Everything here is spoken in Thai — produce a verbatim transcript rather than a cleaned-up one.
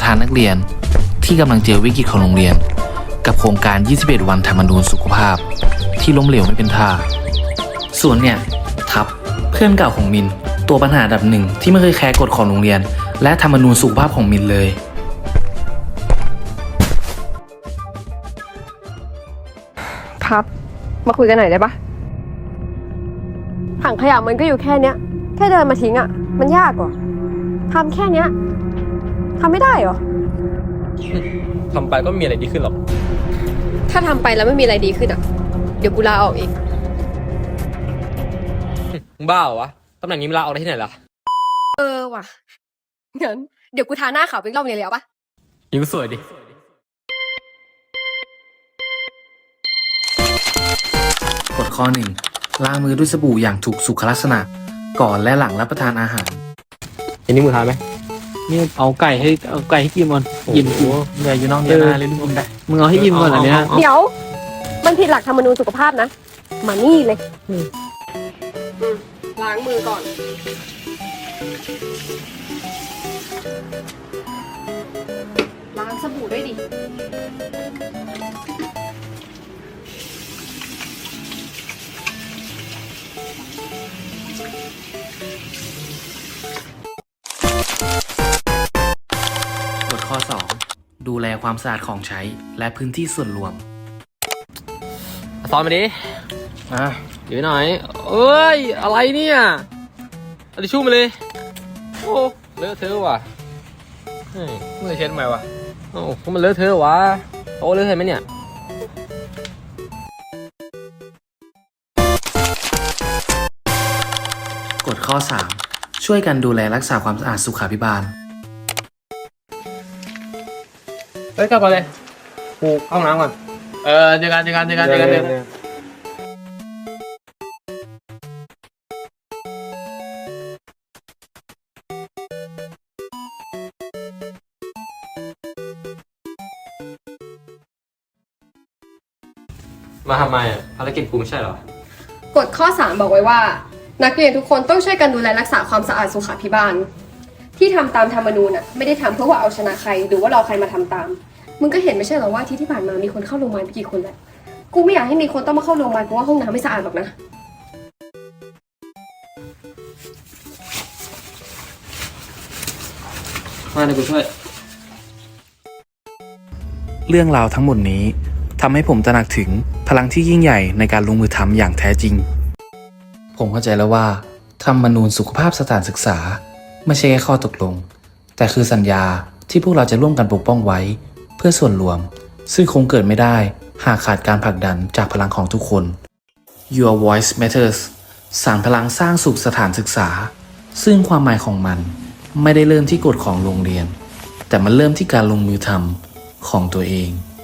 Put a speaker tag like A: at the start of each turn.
A: ธานนักเรียนที่กำลังเจอวิกฤตของโรงเรียนกับโครงการยี่สิบเอ็ดวันธรรมนูญสุขภาพที่ล้มเหลวไม่เป็นท่าส่วนเนี่ยทับเพื่อนเก่าของมินตัวปัญหาอันดับหนึ่งที่ไม่เคยแคร์กฎของโรงเรียนและธรรมนูญสุขภาพของมินเลย
B: พับมาคุยกันหน่อยได้ปะถังขยะมันก็อยู่แค่เนี้ยแค่เดินมาทิ้งอ่ะมันยากกว่าทำแค่เนี้ยทำไม่ได้เหรอ
C: ทำไปก็ไม่มีอะไรดีขึ้นหรอก
B: ถ้าทำไปแล้วไม่มีอะไรดีขึ้นอ่ะเดี๋ยวกูลาออกอีก
C: มึงบ้าเหรอวะตำแหน่งนี้มึงลาออกได้ที่ไหนล่ะ
B: เออว่ะงั้นเดี๋ยวกูทาหน้าขาวไปอีกรอบนึงเลยเอาปะ
C: ยิ่งสวยดิ
A: กฎข้อหนึ่งล้างมือด้วยสบู่อย่างถูกสุขลักษณะก่อนและหลังรับประทานอาหาร
C: อันนี้มึงทานไหม
D: นี่เอาไก่ให้เอาไก่ให้กินก่อนกินกู
A: เหนื่อยอยู่น้องเดียวนะเล่นมึงได้
D: มึงเอาให้กินก่อนอันเนี้ย
B: เดี๋ยวมันผิดหลักธรรมนูญสุขภาพนะมานี่เลยล้างมือก่อนล้างสบู่ด้วยดิ
A: กฎข้อสองดูแลความสะอาดของใช้และพื้นที่ส่วนรวม
C: ซ้อนมาดิ
A: อ่ะ
C: เดี๋ยวหน่อยเอ้ยอะไรเนี่ยเอาทิชชู่มาเลยโอ้เลอะเทอะว่ะเฮ้ยเมื่อเช็ดทำไมวะโอ้ก็มันเลอะเทอะวะโอ้เลอะเทอะไหมเนี่ย
A: กฎข้อสามช่วยกันดูแลรักษาความสะอาดสุขาภิบาล
C: เฮ้ยกลับมาเลยกูเข้าห้องน้ำก่อนเออเจอกันเจอกันเจอกันเจอกันเจอกันมาทำไมอ่ะภารกิจกูไม่ใช่เหรอก
B: ฎข้อสามบอกไว้ว่านักเรียนทุกคนต้องช่วยกันดูแลรักษาความสะอาดสุขาภิบาลที่ทำตามธรรมนูญอ่ะไม่ได้ทำเพื่อว่าเอาชนะใครหรือว่ารอใครมาทำตามมึงก็เห็นไม่ใช่เหรอว่าที่ที่ผ่านมามีคนเข้าโรงพยาบาลไปกี่คนแล้วกูไม่อยากให้มีคนต้องมาเข้าโรงพยาบาลเพราะว่าห้องน้ำไม่สะอาดหรอกนะ
C: มาเดี๋ยวกูช่วย
A: เรื่องราวทั้งหมดนี้ทำให้ผมตระหนักถึงพลังที่ยิ่งใหญ่ในการลงมือทำอย่างแท้จริงผมเข้าใจแล้วว่าธรรมนูญสุขภาพสถานศึกษาไม่ใช่แค่ข้อตกลงแต่คือสัญญาที่พวกเราจะร่วมกันปกป้องไว้เพื่อส่วนรวมซึ่งคงเกิดไม่ได้หากขาดการผลักดันจากพลังของทุกคน Your Voice Matters สานพลังสร้างสุขสถานศึกษาซึ่งความหมายของมันไม่ได้เริ่มที่กฎของโรงเรียนแต่มันเริ่มที่การลงมือทำของตัวเอง